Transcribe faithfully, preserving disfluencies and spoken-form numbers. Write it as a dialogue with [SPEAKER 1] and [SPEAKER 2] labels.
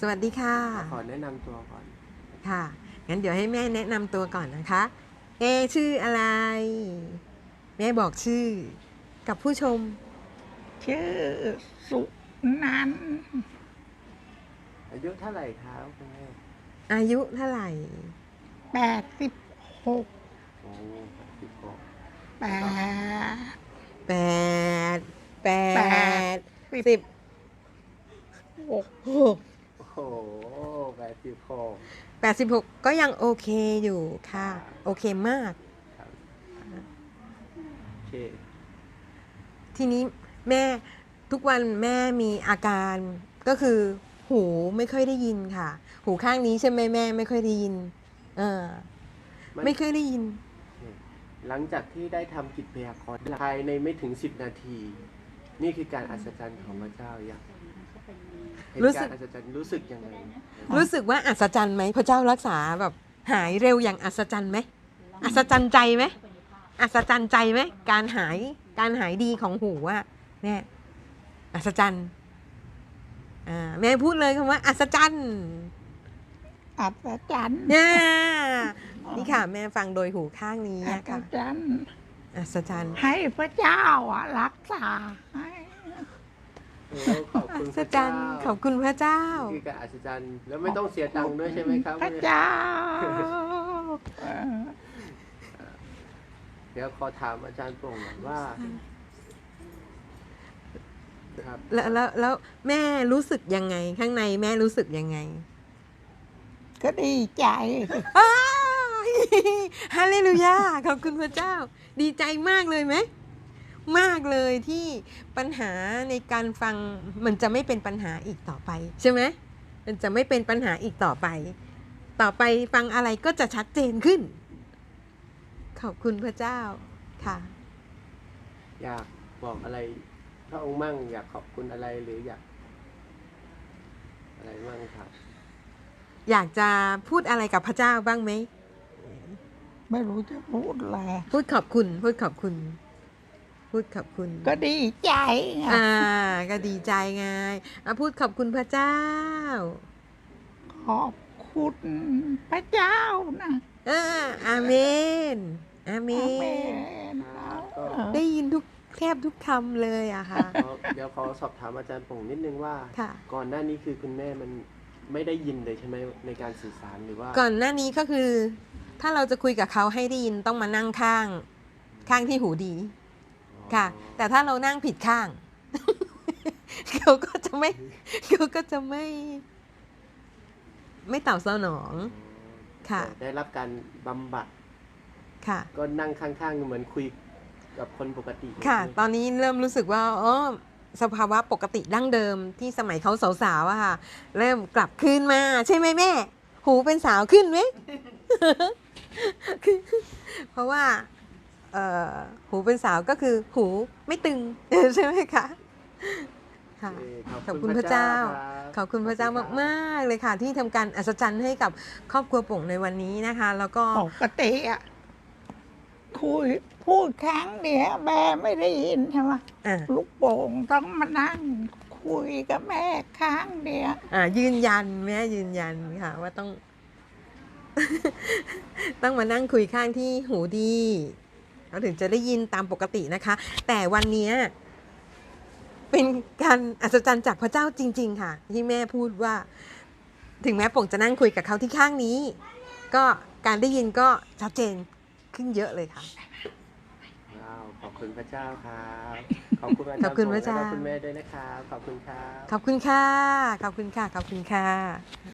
[SPEAKER 1] สวัสดีค่ะ
[SPEAKER 2] ขอแนะนำตัวก่อน
[SPEAKER 1] ค่ะ งั้นเดี๋ยวให้แม่แนะนำตัวก่อนนะคะแม่ชื่ออะไร แม่บอกชื่อกับผู้ชม
[SPEAKER 3] ชื่อสุนันท์
[SPEAKER 2] อายุเท่าไหร่ครับคุณแม่
[SPEAKER 1] อายุเท่าไหร่
[SPEAKER 3] แปดสิบหก
[SPEAKER 2] โอ้สิบหก
[SPEAKER 3] แปด
[SPEAKER 1] แปด แป
[SPEAKER 3] แป
[SPEAKER 1] ด
[SPEAKER 3] ด
[SPEAKER 1] สิบ
[SPEAKER 3] หก
[SPEAKER 1] หก
[SPEAKER 2] โอ้โหแปดสิบหก
[SPEAKER 1] แปดสิบหกก็ยังโอเคอยู่ค่ะ โอเคมาก
[SPEAKER 2] ครับโอเค
[SPEAKER 1] ทีนี้แม่ทุกวันแม่มีอาการก็คือ หูไม่ค่อยได้ยินค่ะ หูข้างนี้ใช่ไหมแม่ไม่ค่อยได้ยินเออ
[SPEAKER 2] มัน
[SPEAKER 1] ไม่เคยได้ยิน
[SPEAKER 2] หลังจากที่ได้ทำกิจพยากรณ์ภายในไม่ถึงสิบนาที นี่คือการอัศจรรย์ของพระเจ้าอย่างเห็น
[SPEAKER 1] รู้สึ
[SPEAKER 2] กาก รอัศจรรย์รู้สึกยังไง
[SPEAKER 1] รู้สึกว่าอัศจรรย์ไหมพระเจ้ารักษาแบบหายเร็วอย่างอัศจรรย์ไหมอัศจรรย์ใจไหมอัศจรรย์ใจไหมการหายการหายดีของหูอะแม่อัศจรรย์อ่าแม่พูดเลยคำว่าอัศจรรย์
[SPEAKER 3] อัศจรรย์
[SPEAKER 1] เนี่ยนี่ค่ะ แม่ฟังโดยหูข้างนี้
[SPEAKER 3] อั
[SPEAKER 1] อะ
[SPEAKER 3] ศ
[SPEAKER 1] ค่ะ
[SPEAKER 3] จรรย์
[SPEAKER 1] อัศจรรย์
[SPEAKER 3] ให้พระเจ้าอ่ะรักษาให้
[SPEAKER 2] โอ้ขอบคุณ
[SPEAKER 1] อั
[SPEAKER 2] พ
[SPEAKER 1] ศ
[SPEAKER 2] ระ
[SPEAKER 1] จร
[SPEAKER 2] เจ้าร
[SPEAKER 1] ย์ขอบคุณพระเจ้า
[SPEAKER 2] นี่คือการอัศจรรย์แล้วไม่ต้องเสียตังค์ด้วยใช่ไหมครับ
[SPEAKER 3] พระเจ้า
[SPEAKER 2] เดี๋ยวขอถามอาจารย์โปร่งหน่อยว่าครับ
[SPEAKER 1] แล้วแล้วแล้วแม่รู้สึกยังไง ข้างในแม่รู้สึกยังไง
[SPEAKER 3] ก็ดีใจ
[SPEAKER 1] อ้าวฮาเลลูยาขอบคุณพระเจ้า ดีใจมากเลยไหมมากเลยที่ปัญหาในการฟังมันจะไม่เป็นปัญหาอีกต่อไปใช่ไหมมันจะไม่เป็นปัญหาอีกต่อไป ต่อไปฟังอะไรก็จะชัดเจนขึ้น ขอบคุณพระเจ้าค่ะ
[SPEAKER 2] อยากบอกอะไรพระองค์มั่งอยากขอบคุณอะไรหรืออยากอะไรมั่งครับ
[SPEAKER 1] อยากจะพูดอะไรกับพระเจ้าบ้างไหม
[SPEAKER 3] ไม่รู้จะพูดอะไร
[SPEAKER 1] พูดขอบคุณ พูดขอบคุณ พูดขอบคุณ
[SPEAKER 3] ก็ดีใจไง
[SPEAKER 1] อ่า ก็ดีใจไงอ่ะพูดขอบคุณพระเจ้า
[SPEAKER 3] ขอบคุณพระเจ้านะ
[SPEAKER 1] เอออาเมน อาเม
[SPEAKER 3] อาเม
[SPEAKER 1] น
[SPEAKER 3] น
[SPEAKER 1] ได้ยินทุกแทบทุกคำเลยอะค่ะ
[SPEAKER 2] ขอเดี๋ยวขอสอบถามอาจารย์ป่งนิดนึงว่า
[SPEAKER 1] ค่ะ
[SPEAKER 2] ก่อนหน้านี้คือคุณแม่มันไม่ได้ยินเลยใช่ไหมในการสื่อสารหรือว่า
[SPEAKER 1] ก่อนหน้านี้ก็คือ ถ้าเราจะคุยกับเขาให้ได้ยินต้องมานั่งข้าง ข้างที่หูดี ค่ะ แต่ถ้าเรานั่งผิดข้าง เขาก็จะไม่ เขาก็จะไม่ ไม่ตอบสนอง ค่ะ
[SPEAKER 2] ได้รับการบำบัด
[SPEAKER 1] ค่ะ
[SPEAKER 2] ก็นั่งข้างๆเหมือนคุยกับคนปกติ
[SPEAKER 1] ค่ะ
[SPEAKER 2] ใช่ไหม
[SPEAKER 1] ตอนนี้เริ่มรู้สึกว่าอ๋อสภาวะปกติดั้งเดิมที่สมัยเขาสาวๆอะค่ะ เริ่มกลับคืนมา ใช่ไหมแม่ หูเป็นสาวขึ้นไหม เพราะว่าเอ่อหูเป็นสาวก็คือหูไม่ตึง ใช่ไหมคะค่ะ
[SPEAKER 2] เอ่อ
[SPEAKER 1] ขอบคุณพระเจ้า
[SPEAKER 2] ครับ
[SPEAKER 1] ขอบคุณพระเจ้ามากๆเลยค่ะ ที่ทำการอัศจรรย์ให้กับครอบครัวโป่งในวันนี้นะคะ แล้วก็
[SPEAKER 3] ปกติอ่ะคุยพูดครั้งเดียวแม่ไม่ได้ยินใช่ไหม
[SPEAKER 1] อ่า
[SPEAKER 3] ลูกโป่งต้องมานั่งคุยกับแม่ครั้งเดียว
[SPEAKER 1] อ่ายืนยันแม่ยืนยันค่ะ ว่าต้อง ต้องมานั่งคุยข้างที่หูดีเราถึงจะได้ยินตามปกตินะคะ แต่วันเนี้ยเป็นการอัศจรรย์จากพระเจ้าจริง ๆ ค่ะ ที่แม่พูดว่า ถึงแม้ป่งจะนั่งคุยกับเขาที่ข้างนี้ ก็การได้ยินก็ชัดเจนขึ้นเยอะเลยค่ะ
[SPEAKER 2] ว้าวขอบคุณพระเจ้าครับขอบคุณอา
[SPEAKER 1] ข
[SPEAKER 2] จา
[SPEAKER 1] อ
[SPEAKER 2] ร
[SPEAKER 1] บ
[SPEAKER 2] ย์
[SPEAKER 1] คุณ
[SPEAKER 2] โป่ง
[SPEAKER 1] พระเจ้า
[SPEAKER 2] และก็คุณแม่ด้วยนะครับขอบคุณครับ
[SPEAKER 1] ขอบคุณค่ะ ขอบคุณค่ะ ขอบคุณค่ะ